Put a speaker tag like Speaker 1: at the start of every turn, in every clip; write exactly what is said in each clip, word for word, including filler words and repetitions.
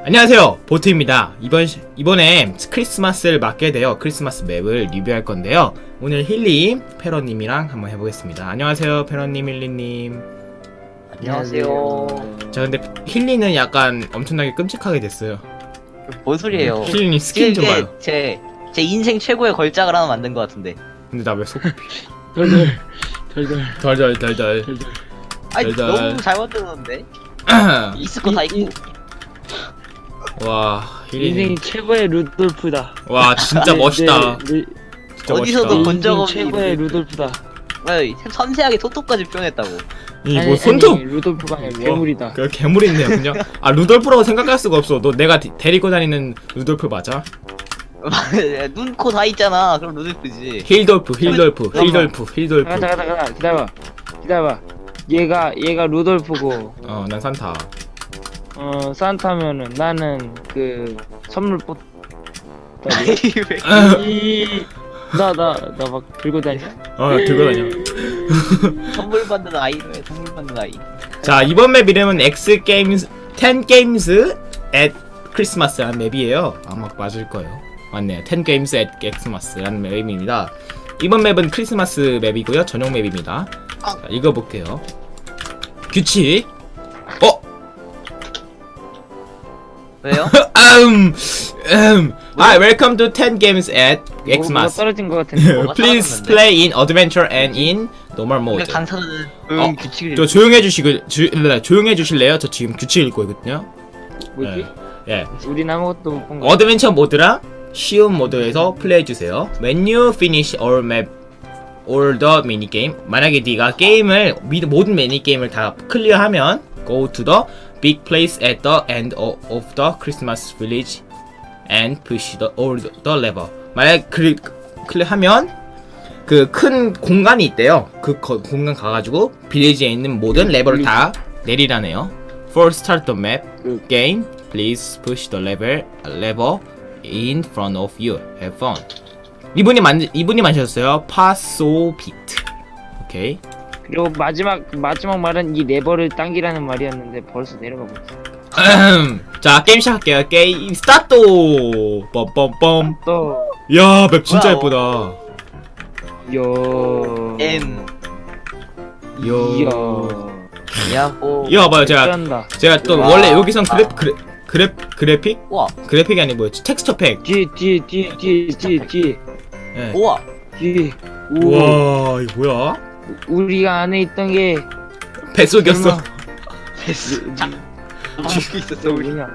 Speaker 1: 안녕하세요, 보트입니다. 이번 시, 이번에 크리스마스를 맞게 되어 크리스마스 맵을 리뷰할 건데요. 오늘 힐리 페러님이랑 한번 해보겠습니다. 안녕하세요, 페러님, 힐리님.
Speaker 2: 안녕하세요.
Speaker 1: 자, 근데 힐리는 약간 엄청나게 끔찍하게 됐어요.
Speaker 2: 뭔 소리예요?
Speaker 1: 힐리님 스킨 좀 봐요.
Speaker 2: 제, 제 인생 최고의 걸작을 하나 만든 것 같은데.
Speaker 1: 근데 나 왜 속?
Speaker 3: 덜덜 덜덜
Speaker 1: 덜덜덜덜.
Speaker 3: 덜덜.
Speaker 2: 아니
Speaker 1: 달달.
Speaker 2: 너무 잘 만들었는데. 있을 거 다
Speaker 3: 이-
Speaker 2: 있고.
Speaker 1: 와, 힐리님.
Speaker 3: 인생 최고의 루돌프다.
Speaker 1: 와, 진짜 멋있다.
Speaker 3: 네, 네,
Speaker 1: 진짜
Speaker 2: 어디서도
Speaker 1: 멋있다.
Speaker 2: 본- 적
Speaker 3: 인생
Speaker 2: 없는
Speaker 3: 최고의
Speaker 2: 루돌프.
Speaker 3: 루돌프다.
Speaker 2: 아니, 섬세하게 토토까지 표현했다고.
Speaker 1: 이
Speaker 3: 아니,
Speaker 1: 뭐 손톱.
Speaker 3: 아니, 루돌프가 아니라 괴물이다.
Speaker 1: 그 괴물인데요, 그냥. 아, 루돌프라고 생각할 수가 없어. 너 내가 데, 데리고 다니는 루돌프 맞아?
Speaker 2: 눈, 코 다 있잖아. 그럼 루돌프지.
Speaker 1: 힐돌프, 힐돌프, 힐돌프, 힐돌프.
Speaker 3: 잠깐 잠깐 잠깐 기다려봐. 기다려봐. 얘가 얘가 루돌프고
Speaker 1: 어, 난 산타.
Speaker 3: 어 산타면은 나는 그 선물 뽑.
Speaker 2: 왜
Speaker 3: 나나 나 막 들고 다녀.
Speaker 1: 어, 들고 다녀.
Speaker 2: 선물 받는 아이래. 선물 받는 아이.
Speaker 1: 자, 이번 맵 이름은 X 게임스 텐 게임스 at 크리스마스라는 맵이에요. 아마 맞을 거예요. 맞네요. 텐 게임스 at 크리스마스라는 맵입니다. 이번 맵은 크리스마스 맵이고요. 전용 맵입니다. 자, 읽어볼게요. 규칙. 어?
Speaker 2: 왜요?
Speaker 1: 음, 음. Hi, welcome to ten games at
Speaker 3: 뭐가
Speaker 1: Xmas.
Speaker 3: 떨어진 것 같은데.
Speaker 2: 뭐가
Speaker 1: Please
Speaker 2: 떨어졌는데?
Speaker 1: play in adventure and in normal
Speaker 2: 근데
Speaker 1: mode.
Speaker 2: 강사는 응
Speaker 1: 어,
Speaker 2: 규칙을.
Speaker 1: 저 조용해 주시고 주, 조용해 주실래요? 저 지금 규칙 읽고 있거든요.
Speaker 3: 뭐지?
Speaker 1: 예.
Speaker 3: 우린 아무것도 못 본 거.
Speaker 1: 어드벤처 모드랑 쉬운 모드에서 플레이해 주세요. When you finish all map all the mini game, 만약에 네가 게임을 미- 모든 미니 게임을 다 클리어하면 go to the big place at the end of, of the Christmas village and push the all the lever. 만약 클리, 클리어하면 그 큰 공간이 있대요. 그 거, 공간 가가지고 빌리지에 있는 모든 레버를 다 내리라네요. For start the map game, please push the lever lever in front of you. Have fun. 이분이 만 이분이 만드셨어요. 파소비트. 오케이.
Speaker 3: 그리고 마지막 마지막 말은 이 레버를 당기라는 말이었는데 벌써 내려가 버렸어.
Speaker 1: 자, 게임 시작할게요. 게임 스타트. 뻔뻔뻔.
Speaker 3: 또
Speaker 1: 야, 맵 진짜
Speaker 2: 뭐야,
Speaker 1: 예쁘다.
Speaker 3: 요.
Speaker 2: M.
Speaker 1: 요.
Speaker 3: 요.
Speaker 2: 야호.
Speaker 1: 이거 봐봐요. 제가
Speaker 3: 쩐다.
Speaker 1: 제가 또
Speaker 2: 와.
Speaker 1: 원래 여기선 그래 그래 그래 그래픽
Speaker 2: 우와.
Speaker 1: 그래픽이 아니 뭐였지? 텍스처 팩.
Speaker 3: 뒤 뒤 뒤 뒤 뒤 뒤
Speaker 1: 예.
Speaker 2: 우와.
Speaker 3: 뒤. 우.
Speaker 1: 우와, 이거 뭐야?
Speaker 3: 우리가 안에 있던 게
Speaker 1: 뱃속이었어.
Speaker 3: 설마.
Speaker 2: 됐어. 자. 죽고 있었어 우리.
Speaker 3: 뭐냐?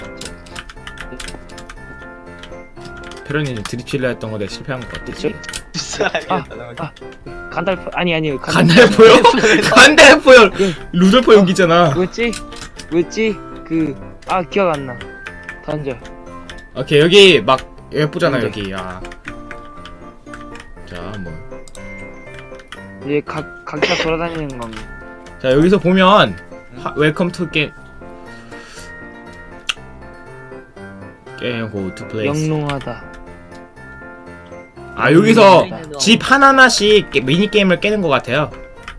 Speaker 1: 페로님 드립칠려 했던 거 내가 실패한 것 같아.
Speaker 3: 저-
Speaker 2: 사람이었다.
Speaker 3: 아, 간달프 아니 아니
Speaker 1: 간달포요? 간달포요. 루돌포 용기잖아.
Speaker 3: 뭐였지? 뭐였지? 그 아 기억 안 나. 던져.
Speaker 1: 오케이, 여기 막 예쁘잖아
Speaker 3: 던져.
Speaker 1: 여기. 야. 자, 뭐.
Speaker 3: 이제 각 각자 돌아다니는 겁니다.
Speaker 1: 자, 여기서 보면 하, 웰컴 투 게임 게임 고 투 플레이스.
Speaker 3: 영롱하다.
Speaker 1: 아, 여기서 집 하나하나씩 게- 미니 게임을 깨는 것 같아요.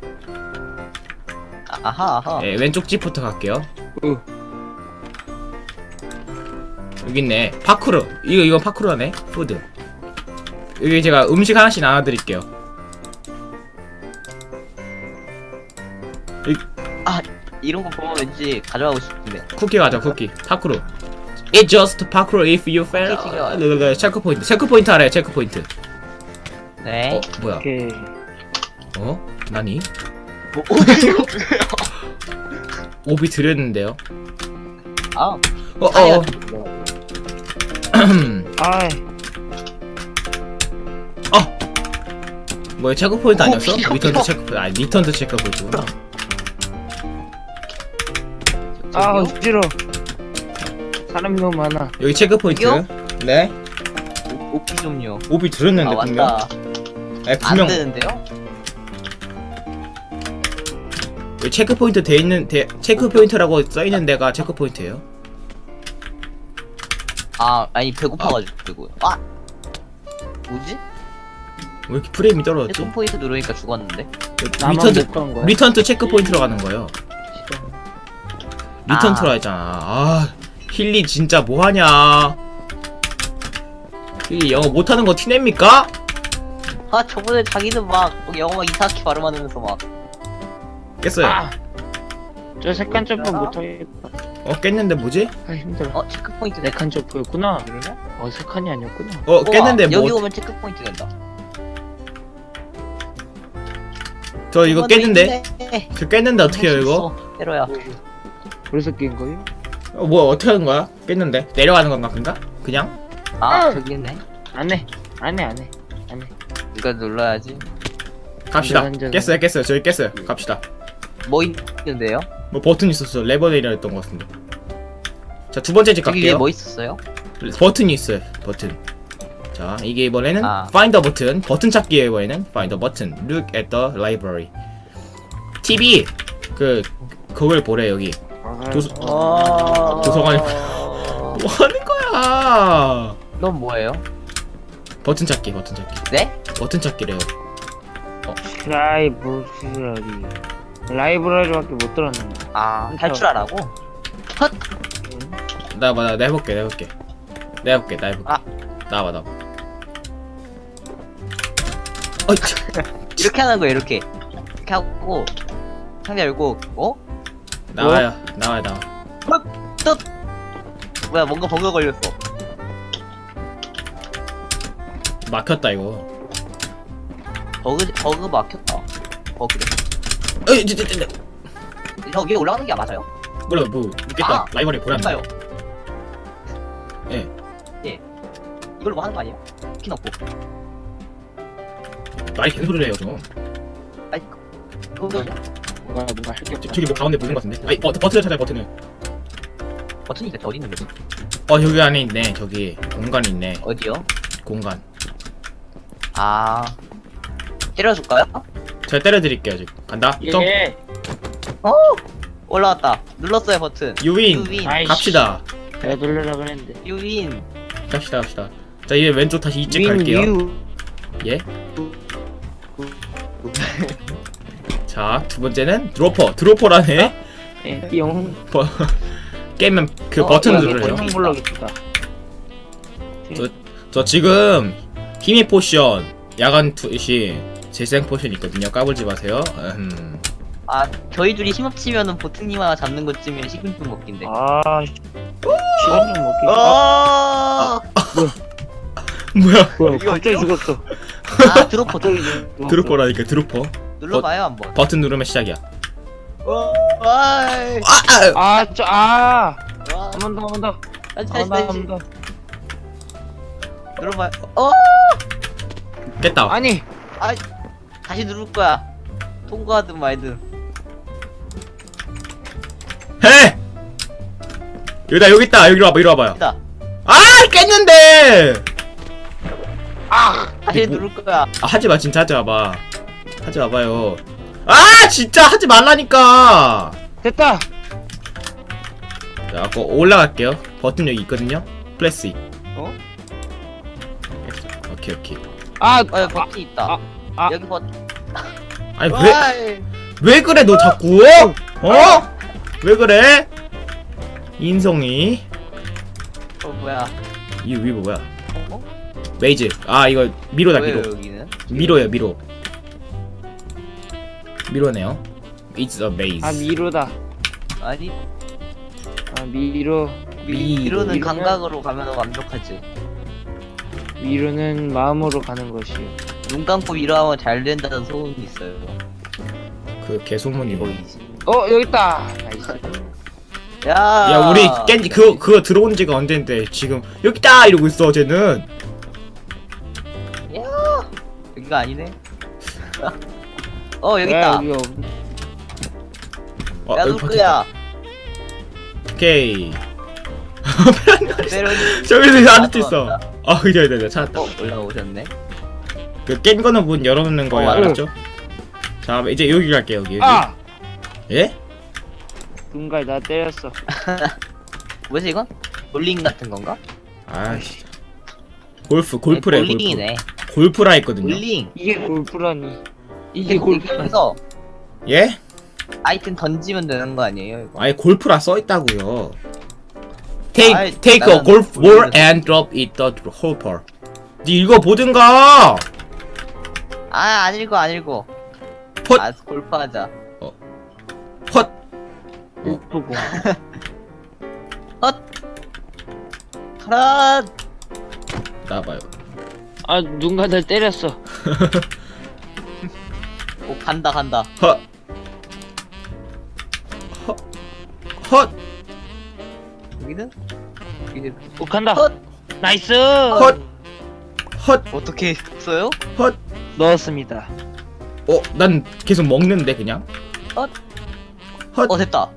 Speaker 2: 아하 아하.
Speaker 1: 예, 왼쪽 집부터 갈게요.
Speaker 3: 어.
Speaker 1: 여기 있네. 파쿠르. 이거 이거 파쿠르네. 푸드. 여기 제가 음식 하나씩 나눠드릴게요.
Speaker 2: 이런 거 보면 왠지 가져가고 싶은데.
Speaker 1: 쿠키 가자, 쿠키. 파쿠르. It just parkour if you fail.
Speaker 2: 쿠키가.
Speaker 1: 네, 체크 포인트. 체크 포인트 알아요. 체크 포인트.
Speaker 2: 네.
Speaker 1: 어, 뭐야?
Speaker 3: 오케이.
Speaker 1: 어? 나니?
Speaker 2: 뭐,
Speaker 1: 오비 드렸는데요.
Speaker 2: 아.
Speaker 1: 어, 어.
Speaker 2: 아니야.
Speaker 3: 아,
Speaker 1: 어. 뭐야? 체크 포인트 아니었어?
Speaker 2: 어, 귀여워.
Speaker 1: 리턴 투 체크 포인트. 아니, 리턴 투 체크 포인트구나.
Speaker 3: 아
Speaker 2: 저기요?
Speaker 3: 싫어. 사람이 너무 많아.
Speaker 1: 여기 체크 포인트.
Speaker 2: 여기요?
Speaker 1: 네.
Speaker 2: 오- 오피 좀요.
Speaker 1: 오비 드렸는데
Speaker 2: 아
Speaker 1: 분명.
Speaker 2: 맞다.
Speaker 1: 아니,
Speaker 2: 안
Speaker 1: 분명.
Speaker 2: 되는데요?
Speaker 1: 여기 체크 포인트 돼 있는 데, 체크 포인트라고 써 있는 데가 체크 포인트예요.
Speaker 2: 아 아니 배고파가지고. 아. 뭐지?
Speaker 1: 왜 이렇게 프레임이 떨어졌지?
Speaker 2: 체크 포인트 누르니까 죽었는데.
Speaker 3: 나만
Speaker 1: 리턴 투
Speaker 3: 못 간 거야.
Speaker 1: 리턴 투 체크 포인트로 가는 거예요.
Speaker 3: 싫어.
Speaker 1: 리턴
Speaker 2: 아.
Speaker 1: 투라 했잖아. 아, 힐리 진짜 뭐하냐? 힐리 영어 못하는 거 티냅니까?
Speaker 2: 아 저번에 자기는 막 영어 막 이상하게 발음하면서 막
Speaker 1: 깼어요.
Speaker 3: 아! 저 색간 점프 못하겠다.
Speaker 1: 어 깼는데 뭐지?
Speaker 3: 아 힘들어.
Speaker 2: 어 체크 포인트 내
Speaker 3: 네칸 점프였구나.
Speaker 2: 그러냐?
Speaker 3: 어 세 칸이 아니었구나.
Speaker 1: 어 깼는데
Speaker 2: 여기
Speaker 1: 뭐?
Speaker 2: 오면 체크 포인트 된다.
Speaker 1: 저 이거
Speaker 2: 저번에
Speaker 1: 깼는데?
Speaker 2: 있네.
Speaker 1: 저 깼는데 어떻게 해요 이거?
Speaker 2: 때려야.
Speaker 3: 그래서 깬 거예요?
Speaker 1: 어, 뭐 어떻게 하는 거야? 깼는데 내려가는 건가 그니까? 그냥?
Speaker 2: 아
Speaker 3: 응.
Speaker 2: 저기 있네.
Speaker 3: 안해 안해 안해 안해.
Speaker 2: 이거 눌러야지.
Speaker 1: 갑시다.
Speaker 3: 완전-
Speaker 1: 깼어요 깼어요 저희 깼어요. 갑시다.
Speaker 2: 뭐 있는데요?
Speaker 1: 뭐 버튼 있었어. 레버 내리랬던 것 같은데. 자 두 번째 집
Speaker 2: 저기 위에
Speaker 1: 갈게요.
Speaker 2: 뭐 있었어요?
Speaker 1: 버튼이 있어요. 버튼. 자 이게 이번에는
Speaker 2: 아.
Speaker 1: Find the button. 버튼 찾기에 이번에는 Find the button. Look at the library. 티비 그 그걸 보래 여기. 도서-
Speaker 2: 어...
Speaker 1: 도서관에- 뭐 하는 거야?
Speaker 2: 넌 뭐예요?
Speaker 1: 버튼 찾기 버튼 찾기.
Speaker 2: 네?
Speaker 1: 버튼 찾기래요.
Speaker 3: 라이브러리 라이브러리밖에 못 들었는데.
Speaker 2: 아 탈출하라고? 헛!
Speaker 1: 나봐 나, 나 해볼게 나 해볼게. 내가 해볼게 나 해볼게.
Speaker 2: 아.
Speaker 1: 나와봐 나와. 어이 참.
Speaker 2: 이렇게 하는 거야 이렇게 이렇게 하고 상자 열고 어?
Speaker 1: 나와요 나와요 나와.
Speaker 2: 뜻! 뭐야 뭔가 버그 걸렸어.
Speaker 1: 막혔다 이거.
Speaker 2: 버그 버그 막혔다. 버그래.
Speaker 1: 어이 저, 저, 저, 저.
Speaker 2: 저 위에 올라가는 게 맞아요?
Speaker 1: 몰라 뭐 있겠다.
Speaker 2: 아,
Speaker 1: 라이벌이 보란
Speaker 2: 뭔가요?
Speaker 1: 예.
Speaker 2: 예. 이걸로 뭐 하는 거 아니에요? 키 넣고.
Speaker 1: 말이 개소리를 해요 좀.
Speaker 2: 아이 그거
Speaker 3: 뭔가 뭔가 할게
Speaker 1: 저, 저기 뭐 가운데 보이는 것 같은데. 아니 버, 버튼을 찾아요 버튼을.
Speaker 2: 버튼이 대체 어디 있는 거지?
Speaker 1: 어 여기 안에 있네. 저기 공간이 있네.
Speaker 2: 어디요?
Speaker 1: 공간.
Speaker 2: 아 때려줄까요?
Speaker 1: 제가 때려드릴게요 지금. 간다. 점.
Speaker 3: 예.
Speaker 2: 어 올라왔다. 눌렀어요 버튼.
Speaker 1: 유인.
Speaker 2: 유윈.
Speaker 3: 아이씨.
Speaker 1: 갑시다.
Speaker 3: 내가 놀려라 그랬는데.
Speaker 2: 유윈.
Speaker 1: 갑시다 갑시다. 자 이제 왼쪽 다시 이쪽
Speaker 3: 윈,
Speaker 1: 갈게요.
Speaker 3: 유.
Speaker 1: 예. 자 두 번째는 드로퍼. 드로퍼라네.
Speaker 3: 예. 띠용.
Speaker 1: 버, 깨면 그
Speaker 2: 어,
Speaker 1: 버튼
Speaker 2: 여기
Speaker 1: 누르래요.
Speaker 2: 버튼.
Speaker 3: 형 블럭 있다.
Speaker 1: 저 지금 힘의 포션, 야간 투시, 재생 포션 있거든요. 까불지 마세요. 음.
Speaker 2: 아 저희 둘이 힘합치면은 보트님 하나 잡는 것쯤이면 식은죽 먹긴데.
Speaker 3: 아. 씨. 시간 좀 먹기.
Speaker 2: 어.
Speaker 1: 뭐야?
Speaker 3: 뭐야?
Speaker 2: 이거
Speaker 3: 갑자기
Speaker 2: 어디요?
Speaker 3: 죽었어.
Speaker 2: 아 드로퍼 저기
Speaker 1: 드로퍼라니까 드로퍼.
Speaker 2: 눌러봐요 한번.
Speaker 1: 버튼 누르면 시작이야.
Speaker 2: 어. 와이.
Speaker 1: 아! 아!
Speaker 3: 아, 저 아.
Speaker 2: 와.
Speaker 3: 한 번 더, 한 번 더.
Speaker 2: 다시
Speaker 3: 한
Speaker 2: 다시
Speaker 3: 번 더,
Speaker 2: 다시
Speaker 3: 한 번 더.
Speaker 2: 눌러봐요. 어.
Speaker 1: 깼다.
Speaker 3: 아니.
Speaker 2: 아 다시 누를 거야. 통과하든 말든.
Speaker 1: 해! 여기다 여기 있다. 여기로 와봐. 이리 와봐요.
Speaker 2: 있다.
Speaker 1: 아! 깼는데!
Speaker 3: 아.
Speaker 2: 다시
Speaker 1: 뭐-
Speaker 2: 누를 거야.
Speaker 1: 아, 하지 마. 진짜 하지 마봐. 하지 마봐요. 아! 진짜 하지 말라니까!
Speaker 3: 됐다.
Speaker 1: 자, 아까 올라갈게요. 버튼 여기 있거든요. 플래시.
Speaker 2: 어?
Speaker 1: 오케이, 오케이.
Speaker 3: 아.
Speaker 2: 어 여기 버튼 있다.
Speaker 3: 아, 아.
Speaker 2: 여기 버튼.
Speaker 1: 아니, 왜,
Speaker 2: 와이.
Speaker 1: 왜 그래, 너 자꾸? 어? 왜 그래? 인성이.
Speaker 2: 어 뭐야?
Speaker 1: 이 위브 뭐야?
Speaker 2: 어?
Speaker 1: 메이즈. 아, 이거 미로다,
Speaker 2: 왜요
Speaker 1: 미로.
Speaker 2: 여기는?
Speaker 1: 미로예요, 미로. 미로네요. It's a maze.
Speaker 3: 아 미로다.
Speaker 2: 아니
Speaker 3: 아 미로.
Speaker 1: 미-
Speaker 2: 미로는
Speaker 3: 미로는-
Speaker 2: 감각으로 가면 완벽하지.
Speaker 3: 미로는 마음으로 가는 것이요.
Speaker 2: 눈 감고 미로하면 잘 된다는 소문이 있어요.
Speaker 1: 그 개소문이 뭐.
Speaker 2: 보이지?
Speaker 3: 어 여기 있다. 나이스.
Speaker 2: 야.
Speaker 1: 야, 우리 깬지 그거 그거 들어온 지가 언젠데 지금 여기다 이러고 있어, 쟤는.
Speaker 2: 야. 여기가 아니네. 어 여기
Speaker 3: 야,
Speaker 2: 있다.
Speaker 3: 여기 없.
Speaker 1: 어,
Speaker 2: 야
Speaker 1: 여기 버튼
Speaker 2: 누구야?
Speaker 1: 있다. 오케이.
Speaker 2: 때려니.
Speaker 1: 저기서 아직도 있어. 아, 그래, 그래, 그래, 찾았다.
Speaker 2: 어 올라오셨네.
Speaker 1: 그 깬 거는 문 열어놓는 거예요,
Speaker 2: 어,
Speaker 1: 알았죠? 자, 이제 여기 갈게요, 여기. 여기.
Speaker 3: 아.
Speaker 1: 예?
Speaker 3: 눈갈 나 때렸어.
Speaker 2: 뭐지 이건? 볼링 같은 건가?
Speaker 1: 아이씨. 골프, 골프래, 골프.
Speaker 2: 볼링이네.
Speaker 1: 골프라 했거든요.
Speaker 2: 볼링.
Speaker 3: 이게 골프라니.
Speaker 2: 이게
Speaker 3: 이게 골프.
Speaker 2: 골프에서
Speaker 1: 예?
Speaker 2: 아이템 던지면 되는 거 아니에요 이거?
Speaker 1: 아예 골프라 써있다고요. take
Speaker 2: 아이,
Speaker 1: take a
Speaker 2: 나는
Speaker 1: golf ball
Speaker 2: 모르겠어.
Speaker 1: and drop it the hopper. 니 이거 보든가.
Speaker 2: 아안 읽어 안 읽어.
Speaker 1: 헛.
Speaker 2: 아 골프하자.
Speaker 1: 헛.
Speaker 3: 골프고.
Speaker 2: 헛. 가라.
Speaker 1: 나봐요.
Speaker 3: 아 누군가 날 때렸어.
Speaker 2: 오 간다 간다.
Speaker 1: 헛. 헛. 헛.
Speaker 2: 여기는 여기는
Speaker 3: 오 간다.
Speaker 2: 헛.
Speaker 3: 나이스.
Speaker 1: 헛. 헛.
Speaker 2: 어떻게 써요?
Speaker 1: 헛.
Speaker 3: 넣었습니다.
Speaker 1: 어, 난 계속 먹는데 그냥.
Speaker 2: 헛.
Speaker 1: 헛.
Speaker 2: 어 됐다.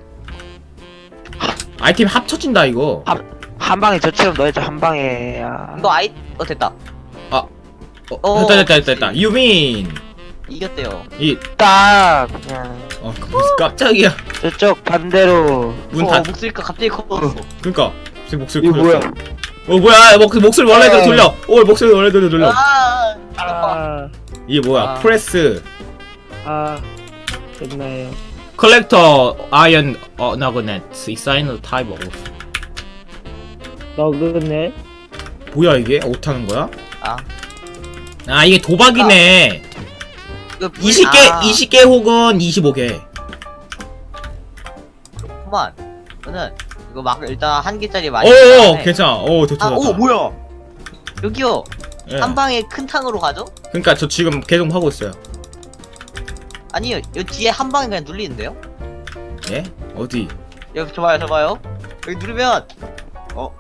Speaker 1: 아이템 합쳐진다 이거.
Speaker 3: 한, 한 방에 저처럼 넣어야죠. 한 방에. 야.
Speaker 2: 이거 아이 어 됐다.
Speaker 1: 어,
Speaker 2: 어,
Speaker 1: 됐다 됐다 됐다 됐다. You mean
Speaker 2: 이겼대요.
Speaker 1: 이
Speaker 3: 딱 그냥
Speaker 1: 어, 무슨 깜짝이야.
Speaker 3: 저쪽 반대로.
Speaker 1: 문
Speaker 2: 어
Speaker 1: 닫.
Speaker 2: 목소리가 갑자기 커졌어.
Speaker 1: 그러니까 제 목소리
Speaker 3: 이거
Speaker 1: 커졌어.
Speaker 3: 뭐야?
Speaker 1: 어 뭐야? 목 목소리 원래대로 돌려. 오 목소리 원래대로 돌려.
Speaker 2: 아. 아.
Speaker 3: 아,
Speaker 1: 이게 뭐야?
Speaker 2: 아.
Speaker 1: 프레스
Speaker 3: 아, 됐나요?
Speaker 1: 컬렉터 아이언 어 나그넷 이사이너 타입 오브.
Speaker 3: 너그네.
Speaker 1: 뭐야 이게? 어떻게 거야?
Speaker 2: 아.
Speaker 1: 아 이게 도박이네.
Speaker 2: 이거 불-
Speaker 1: 이십 개
Speaker 2: 아,
Speaker 1: 이십 개 혹은 이십오 개.
Speaker 2: 그만. 저는 이거 막 일단 한 개짜리 많이.
Speaker 1: 오
Speaker 2: 샀다네.
Speaker 1: 괜찮아. 오 좋다
Speaker 2: 아,
Speaker 1: 좋다.
Speaker 2: 오 뭐야? 여기요.
Speaker 1: 예.
Speaker 2: 한 방에 큰 탕으로 가죠?
Speaker 1: 그러니까 저 지금 계속 하고 있어요.
Speaker 2: 아니요. 여 뒤에 한 방에 그냥 눌리는데요?
Speaker 1: 예? 어디?
Speaker 2: 여기 좋아요, 좋아요. 여기 누르면 어.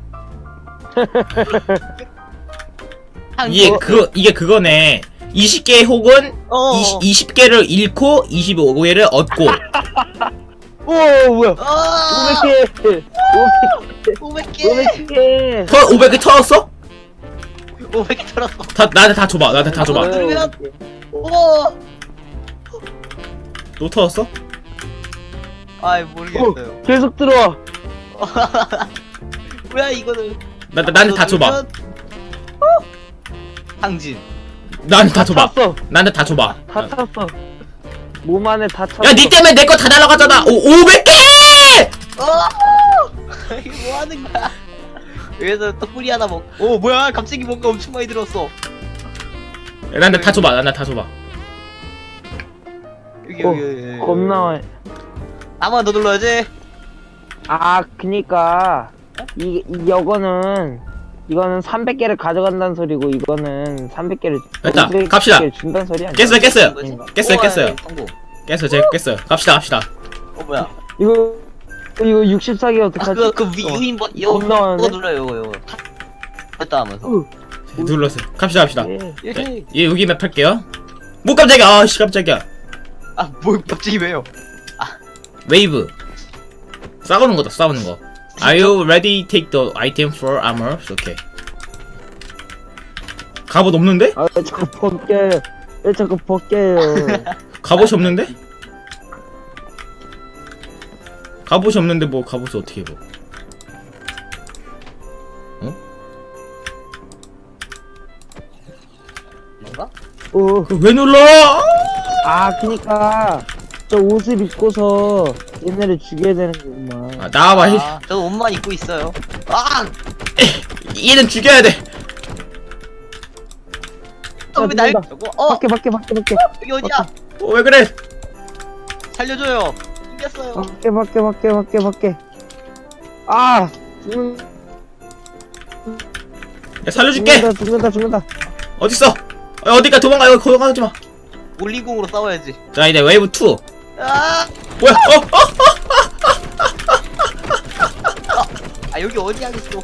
Speaker 2: 탕
Speaker 1: 이게
Speaker 2: 어,
Speaker 1: 그 이게 그거네. 이십 개 혹은
Speaker 2: 어.
Speaker 1: 이십, 이십 개를 잃고 이십오 개를 얻고.
Speaker 3: 오 뭐야?
Speaker 2: 아!
Speaker 3: 오백 개.
Speaker 2: 오백 개.
Speaker 3: 오백 개.
Speaker 1: 터 오백 개 털었어?
Speaker 2: 오백 개 털었어.
Speaker 1: 다 나한테 다 줘봐. 나한테 다 줘봐.
Speaker 2: 어. 누르면? 오.
Speaker 1: 또 털었어?
Speaker 2: 아이 모르겠어요.
Speaker 3: 계속 들어와.
Speaker 2: 뭐야 이거는?
Speaker 1: 나, 나 나한테 다 줘봐.
Speaker 2: 누르면- 어? 당진.
Speaker 1: 나한테 다 줘봐.
Speaker 3: 찼어.
Speaker 1: 나한테 다 줘봐.
Speaker 3: 다 찼어. 몸 안에 다 찼어.
Speaker 1: 야, 니 때문에 내 거 다 날아가잖아. 오, 오백 개!
Speaker 2: 어! 이게 뭐 하는 거야? 여기서 또 뿌리 하나 먹. 오 뭐야? 갑자기 뭔가 엄청 많이 들었어.
Speaker 1: 야, 나한테 다 줘봐. 나한테 다 줘봐.
Speaker 2: 여기
Speaker 3: 어,
Speaker 2: 여기. 여기.
Speaker 3: 겁나.
Speaker 2: 한번 더 눌러야지.
Speaker 3: 아, 그니까 이, 이 이거는 이거는 삼백 개를 가져간다는 소리고 이거는 삼백 개를
Speaker 1: 됐다. 갑시다.
Speaker 3: 준다는 소리 아니야?
Speaker 1: 깼어요, 깼어요.
Speaker 2: 뭐지?
Speaker 1: 깼어요,
Speaker 2: 오,
Speaker 1: 깼어요.
Speaker 2: 예, 성공.
Speaker 1: 깼어요, 제가 깼어요. 갑시다, 갑시다.
Speaker 2: 어 뭐야?
Speaker 3: 이거 이거 육십사 개
Speaker 2: 아
Speaker 3: 어떡하지?
Speaker 2: 그거 그 위,
Speaker 3: 어.
Speaker 2: 유인버 이거
Speaker 3: 겁나
Speaker 2: 이거
Speaker 3: 많은데?
Speaker 2: 눌러요 이거 이거. 됐다 하면서.
Speaker 3: 으,
Speaker 1: 눌렀어요. 갑시다, 갑시다.
Speaker 3: 예.
Speaker 2: 예.
Speaker 1: 예, 여기 맵 할게요. 뭐 깜짝이야. 아, 씨, 깜짝이야.
Speaker 2: 아뭐 갑자기 왜요?
Speaker 1: 웨이브. 싸우는 거다, 싸우는 거. Are you ready? Take the item for armor. 오케이. 갑옷 없는데?
Speaker 3: 아, 자꾸 벗겨요. 왜 자꾸 벗겨요?
Speaker 1: 갑옷이 없는데? 갑옷이 없는데 뭐 갑옷을 어떻게 입어? 어?
Speaker 2: 뭔가?
Speaker 3: 오,
Speaker 1: 그거 왜 눌러?
Speaker 3: 아, 그니까 저 옷을 입고서 얘네를 죽여야 되는 거구만.
Speaker 1: 아, 나와봐. 이-
Speaker 2: 아, 저 옷만 입고 있어요. 아!
Speaker 1: 얘는 죽여야 돼.
Speaker 2: 어, 왜 날?
Speaker 3: 누른다.
Speaker 2: 저거? 어,
Speaker 3: 밖에 밖에 밖에 밖에
Speaker 2: 여기 어디야?
Speaker 1: 어, 왜 그래?
Speaker 2: 살려줘요. 이겼어요.
Speaker 3: 밖에 밖에 밖에 밖에 밖에. 아, 죽는,
Speaker 1: 야, 살려줄게.
Speaker 3: 죽는다 죽는다 죽는다.
Speaker 1: 어딨어? 어, 어디가 도망가. 여기 도망가지 마.
Speaker 2: 올리공으로 싸워야지.
Speaker 1: 자, 이제 웨이브 투.
Speaker 2: 아!
Speaker 1: 뭐야? 어, 어?
Speaker 2: 아, 여기 어디 하겠어?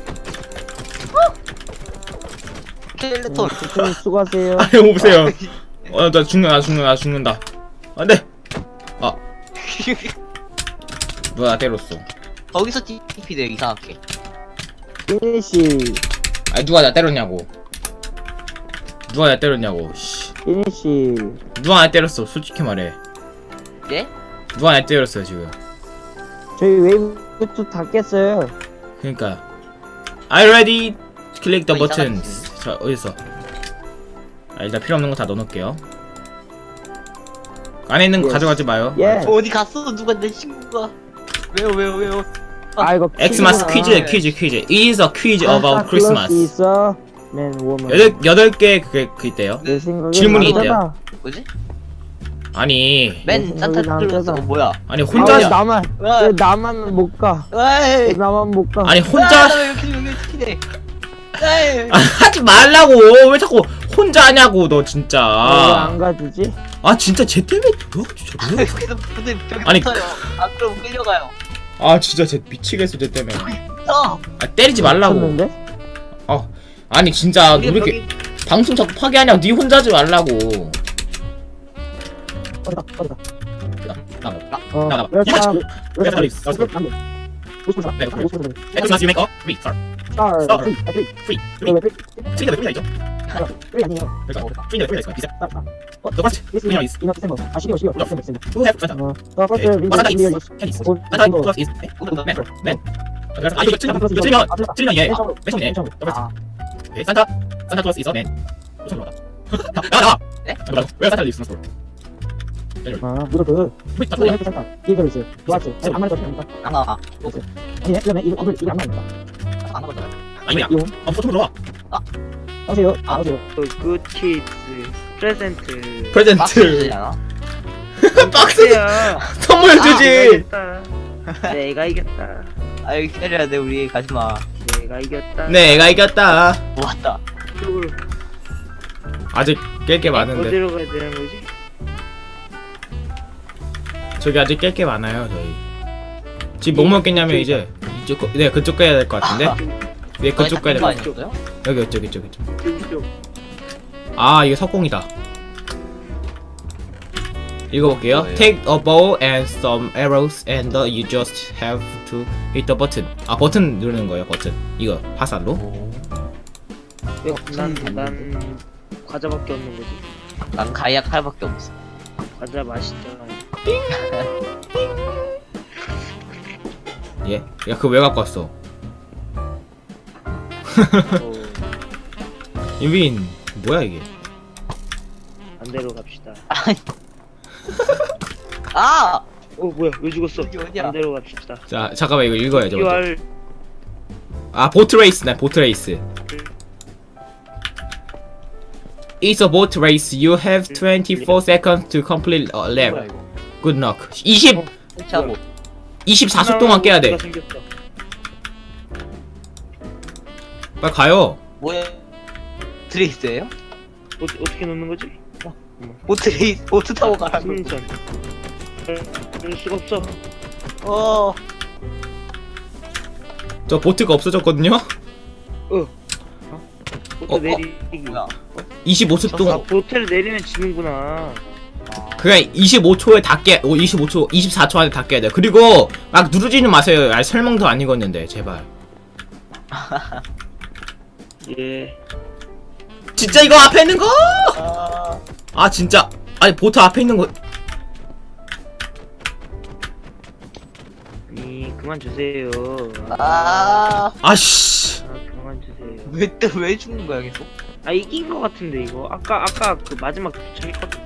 Speaker 2: 스켈레톤.
Speaker 3: 대표님 수고하세요.
Speaker 1: 아, 형 보세요. 어, 나 죽는다. 나 죽는다. 나 죽는다. 안 돼. 아, 누가 나 때렸어.
Speaker 2: 거기서 티피 돼요, 이상하게.
Speaker 3: 피니시
Speaker 1: 아니, 누가 나 때렸냐고. 누가 나 때렸냐고. 씨.
Speaker 3: 피니시.
Speaker 1: 누가 나 때렸어. 솔직히 말해.
Speaker 2: 예?
Speaker 1: 누가 나 때렸어요, 지금.
Speaker 3: 저희 웨이브 다 깼어요.
Speaker 1: 그러니까. Are you ready? Click the
Speaker 2: 어,
Speaker 1: buttons. 자, 어딨어? 아, 일단 필요 없는 거 다 넣어놓을게요. 안에 있는 거
Speaker 3: Yes.
Speaker 1: 가져가지 마요.
Speaker 3: 예.
Speaker 2: 어, 어디 갔어? 누가 내 친구가. 왜요, 왜요, 왜요?
Speaker 3: 아 이거
Speaker 1: 엑스마스
Speaker 3: 퀴즈구나.
Speaker 1: 퀴즈 퀴즈 퀴즈. It is a quiz
Speaker 3: 산타
Speaker 1: about
Speaker 3: 클로스
Speaker 1: Christmas.
Speaker 3: 있어. 맨 워먼.
Speaker 1: 여덟 여덟 개 그게 그 있대요.
Speaker 3: 내 생각에
Speaker 1: 질문이
Speaker 3: 남자다.
Speaker 1: 있대요.
Speaker 2: 뭐지?
Speaker 1: 아니
Speaker 2: 맨 산타 클로스. 어, 뭐야?
Speaker 1: 아니
Speaker 3: 아,
Speaker 1: 혼자
Speaker 3: 왜 나만
Speaker 2: 와.
Speaker 3: 왜 나만 못 가? 왜
Speaker 2: 에이.
Speaker 3: 나만 못 가?
Speaker 1: 아니
Speaker 2: 아,
Speaker 1: 혼자
Speaker 2: 나 여기 여기 키네. 에이.
Speaker 1: 아, 하지 말라고. 왜 자꾸 혼자 하냐고 너
Speaker 3: 왜
Speaker 1: 진짜.
Speaker 3: 안 가주지?
Speaker 1: 아 진짜 쟤 때문에 너 진짜 왜?
Speaker 2: 여기서 근데 벽에
Speaker 1: 아니,
Speaker 2: 붙어요. 아 그럼 끌려가요.
Speaker 1: 아 진짜 쟤 미치겠어 쟤 때문에.
Speaker 2: 어.
Speaker 1: 아 때리지 말라고.
Speaker 3: 쳤는데?
Speaker 1: 어 아니 진짜 너
Speaker 2: 우리
Speaker 1: 이렇게
Speaker 2: 벽이
Speaker 1: 방송 자꾸 파괴하냐고. 네 혼자 하지 말라고.
Speaker 3: 어디다 어디다.
Speaker 1: 나, 나,
Speaker 3: 어.
Speaker 1: 나가.
Speaker 3: 왜 사- 왜
Speaker 1: 왜
Speaker 3: 사-
Speaker 1: 빨리
Speaker 3: 왜
Speaker 1: 써?
Speaker 3: 사- 안 돼. 오십 분
Speaker 1: 네,
Speaker 3: 사- 오십 분 사-
Speaker 1: Xmas you make a free star.
Speaker 3: 스타र.
Speaker 1: 스타र.
Speaker 3: 프리, 아, 프리.
Speaker 1: free
Speaker 3: 왜,
Speaker 1: free
Speaker 3: 왜 프리?
Speaker 1: free 왜 free 있죠?
Speaker 3: 프리 아니에요.
Speaker 1: 그래서 free 왜 free 있어? 비싸.
Speaker 3: 아, 아. 어,
Speaker 1: The first
Speaker 3: This
Speaker 1: winner
Speaker 3: is
Speaker 1: is
Speaker 3: in December. 아, 십이월, 십이월, December, December.
Speaker 1: who have Santa.
Speaker 3: 어, the first
Speaker 1: Okay.
Speaker 3: winner
Speaker 1: Santa
Speaker 3: in the year
Speaker 1: is
Speaker 3: is
Speaker 1: Chinese.
Speaker 3: 올-
Speaker 1: Santa
Speaker 3: 이거-
Speaker 1: Claus is man. Man. 그래서 아 이거 틀리면
Speaker 3: Santa Claus
Speaker 1: 이거 틀리면
Speaker 3: 아, 틀렸다.
Speaker 1: 틀리면 얘.
Speaker 3: 맨 처음으로.
Speaker 1: 맨 처음이네.
Speaker 3: 맨 처음으로.
Speaker 1: The first.
Speaker 3: 아,
Speaker 1: Okay. Santa Santa Claus is a man. 무슨 말이야? 나와 나와.
Speaker 2: 네?
Speaker 1: 나와. 왜 Santa lives in a store?
Speaker 3: 아, 이거 그
Speaker 1: 왜 다
Speaker 3: 소리
Speaker 1: 틀려?
Speaker 3: 학교 산타 이거 있어요. 좋았지. 아니, 안 말해도 됩니까?
Speaker 2: 안 나와.
Speaker 3: 아니네, 그러면 이거 이거 이거 안 말합니다.
Speaker 2: 안 나와.
Speaker 1: 아니야.
Speaker 3: 이거
Speaker 1: 아 보통 들어와.
Speaker 3: 하세요.
Speaker 2: 아.
Speaker 3: 하세요.
Speaker 4: 굿 키즈 프레젠트
Speaker 1: 프레젠트.
Speaker 2: 박스잖아.
Speaker 1: 박스
Speaker 4: 야
Speaker 1: 선물 주지.
Speaker 4: 내가 이겼다
Speaker 2: 아 여기 기다려야 돼 우리 가지 마.
Speaker 4: 내가 이겼다
Speaker 1: 네, 애가 이겼다.
Speaker 2: 모았다.
Speaker 4: 이쪽으로
Speaker 1: 아직 깰 게 많은데.
Speaker 4: 어디로 가야 되는 거지?
Speaker 1: 저기 아직 깰 게 많아요 저희. 지금 뭐 먹겠냐면 이제 이쪽 거- 네 그쪽 가야 될 것 같은데. 네 그쪽 가야 될 것 같아.
Speaker 2: 아니었어요?
Speaker 1: 여기 이쪽 이쪽 이쪽.
Speaker 4: 이쪽
Speaker 1: 아 이거 석공이다. 읽어볼게요.
Speaker 2: 뭐예요?
Speaker 1: Take a bow and some arrows and uh, you just have to hit the button. 아 버튼 누르는 거예요 버튼. 이거 화살로.
Speaker 2: 오.
Speaker 4: 난, 난 과자밖에 없는 거지
Speaker 2: 난 가이아 칼밖에 없어.
Speaker 4: 과자 맛있잖아
Speaker 1: 예? 야 그거 왜 갖고 왔어?
Speaker 4: 어,
Speaker 1: 유빈 뭐야 이게?
Speaker 4: 반대로 갑시다
Speaker 2: 아!
Speaker 4: 어 뭐야 왜 죽었어
Speaker 2: 여기 어디야?
Speaker 4: 반대로 갑시다
Speaker 1: 자 잠깐만 이거 읽어야죠. 먼저.
Speaker 4: 큐알
Speaker 1: 아 보트 레이스네 보트 레이스. It's a boat race. You have twenty-four seconds to complete a
Speaker 2: 뭐야
Speaker 1: lap.
Speaker 2: 이거?
Speaker 1: Good luck. 이십
Speaker 2: 설치하고.
Speaker 1: 이십사 초 동안 깨야 돼.
Speaker 4: 생겼다.
Speaker 1: 빨리 가요.
Speaker 2: 뭐야? 드레이스예요?
Speaker 4: 어, 어떻게 넣는 거지?
Speaker 2: 보트 레이스 보트 타고 가라고.
Speaker 4: 승선 그럴 수가 없어
Speaker 2: 어.
Speaker 1: 저 보트가 없어졌거든요.
Speaker 4: 보트
Speaker 2: 어, 어?
Speaker 4: 내리기
Speaker 2: 뭐야?
Speaker 1: 이십오 초
Speaker 4: 아
Speaker 1: 동안.
Speaker 4: 보트를 내리면 지는구나
Speaker 1: 그냥 이십오 초에 다 깨. 오 이십오 초, 이십사 초 안에 다 깨야 돼. 그리고 막 누르지는 마세요. 아 설명도 안 읽었는데 제발.
Speaker 4: 예
Speaker 1: 진짜 이거 앞에 있는 거?
Speaker 2: 아.
Speaker 1: 아 진짜. 아니 보트 앞에 있는 거.
Speaker 4: 아니 그만 주세요
Speaker 2: 아.
Speaker 1: 아씨.
Speaker 4: 아 그만 주세요
Speaker 2: 왜 또 왜 죽는 거야 계속?
Speaker 4: 아 이긴 거 같은데 이거 아까 아까 그 마지막 도착했거든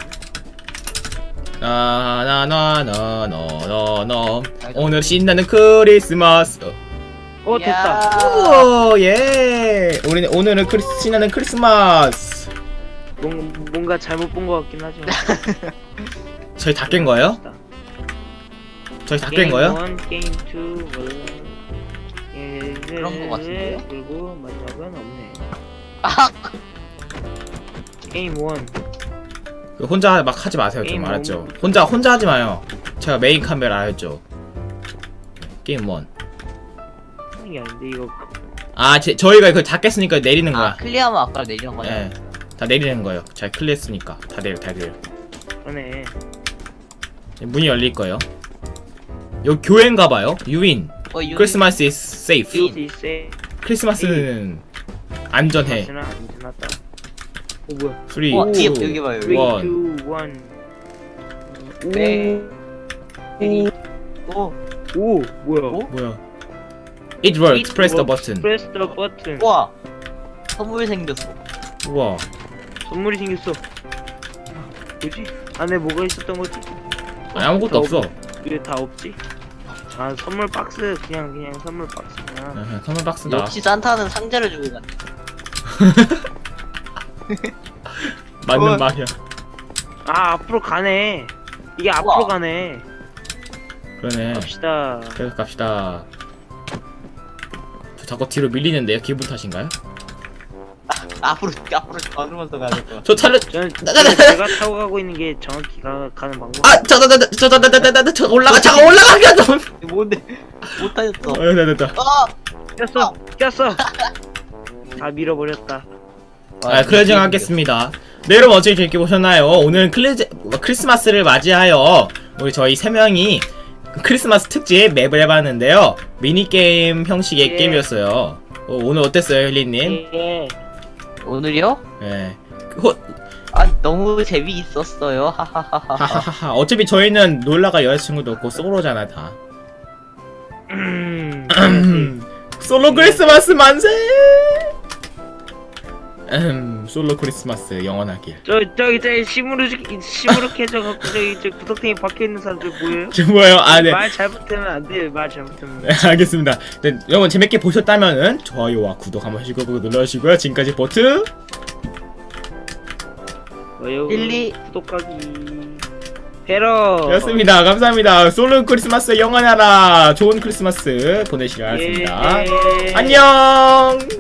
Speaker 1: 나나나나나나나 오늘 신나는 크리스마스.
Speaker 4: 어 됐다
Speaker 2: 야.
Speaker 1: 오 예. 우리는 오늘은 크리스 신나는 크리스마스.
Speaker 4: 뭔, 뭔가 잘못 본 거 같긴 하지만
Speaker 1: 저희 다 깬 거예요? 저희 다 깬 거예요?
Speaker 4: 게임 일, 게임 이, 예,
Speaker 2: 그런 거 같은데요?
Speaker 4: 그리고 마지막은 없네
Speaker 2: 아.
Speaker 4: 게임 일
Speaker 1: 그 혼자 막 하지 마세요. 좀
Speaker 4: 게임
Speaker 1: 알았죠?
Speaker 4: 원.
Speaker 1: 혼자 혼자 하지 마요. 제가 메인 카메라 알죠? 게임 일.
Speaker 4: 이게 아닌데 이거
Speaker 1: 아, 제, 저희가 이거 다 깼으니까 내리는
Speaker 2: 아
Speaker 1: 거야.
Speaker 2: 클리어하면 아까 내리는 거냐?
Speaker 1: 예. 다 내리는 거예요. 잘 클리어했으니까. 다 내려, 다 내려.
Speaker 4: 그러네
Speaker 1: 문이 열릴 거예요. 여기 교회인가 봐요. 유인.
Speaker 2: 어 유.
Speaker 1: 크리스마스 is safe.
Speaker 2: 유-
Speaker 4: 이지 세
Speaker 1: 크리스마스는 안전해.
Speaker 4: 마스나 안전하다 어 뭐야
Speaker 1: 삼, 이,
Speaker 2: 어 뒤에
Speaker 1: 일.
Speaker 2: 여기 봐요.
Speaker 4: 삼,
Speaker 1: 원.
Speaker 4: 이, 일
Speaker 2: 네. 이. 오.
Speaker 4: 오 뭐야
Speaker 2: 오?
Speaker 1: 뭐야? It works. Press the button.
Speaker 4: Press the button
Speaker 2: 우와. 선물 생겼어.
Speaker 1: 우와.
Speaker 4: 선물이 생겼어 뭐지? 안에 뭐가 있었던 거지?
Speaker 1: 아니, 아무것도 없어.
Speaker 4: 왜 다 없지? 아 선물 박스 그냥 그냥 선물 박스 그냥.
Speaker 1: 아, 선물 박스다.
Speaker 2: 역시 산타는 상자를 주고 갔네.
Speaker 1: 맞는
Speaker 2: 어.
Speaker 1: 말이야.
Speaker 4: 아 앞으로 가네. 이게 앞으로
Speaker 2: 우와.
Speaker 4: 가네.
Speaker 1: 그러네.
Speaker 4: 갑시다.
Speaker 1: 계속 갑시다. 저 자꾸 뒤로 밀리는데요? 기분 탓인가요?
Speaker 2: 앞으로 앞으로 걸으면서 가야 될 거야.
Speaker 1: 저 차를
Speaker 4: 저는, 저는 제가 타고 가고 있는 게 정확히 가, 가는 방법.
Speaker 1: 아, 저, 저, 저, 저, 저, 저, 저, 저, 저, 저, 올라가, 잠깐 올라가게 좀.
Speaker 2: 이거 뭔데? 못 타였어.
Speaker 1: 어, 됐다, 됐다.
Speaker 2: 아!
Speaker 4: 꼈어, 꼈어. 다 밀어버렸다.
Speaker 1: 아, 클레징 하겠습니다. 네, 여러분 어떻게 재밌게 보셨나요? 오늘 클레즈, 크리스마스를 맞이하여 우리 저희 세 명이 크리스마스 특집 맵을 해봤는데요. 미니게임 형식의
Speaker 4: 예.
Speaker 1: 게임이었어요. 어, 오늘 어땠어요, 힐리님?
Speaker 4: 예.
Speaker 2: 오늘이요?
Speaker 1: 예. 호,
Speaker 2: 아 너무 재미있었어요. 하하하하.
Speaker 1: 하하하하. 어차피 저희는 놀라가 여자친구도 없고 솔로잖아, 다.
Speaker 4: 음.
Speaker 1: 솔로 크리스마스 만세! 음, 솔로 크리스마스 영원하길.
Speaker 4: 저 저기 저기 시무룩 시무룩해져 갖고 저기 저 구석탱이 박혀 있는 사람들 뭐예요?
Speaker 1: 지금 뭐예요? 아, 네.
Speaker 4: 말 잘못하면 안 돼요. 말 잘못하면.
Speaker 1: 네, 알겠습니다. 네, 여러분 재밌게 보셨다면은 좋아요와 구독 한번 해주시고 눌러주시고요. 지금까지 보트
Speaker 4: 좋아요.
Speaker 2: 일리.
Speaker 4: 구독하기. 배러.
Speaker 1: 였습니다. 감사합니다. 솔로 크리스마스 영원하라. 좋은 크리스마스 보내시길 바라겠습니다.
Speaker 4: 예.
Speaker 1: 안녕.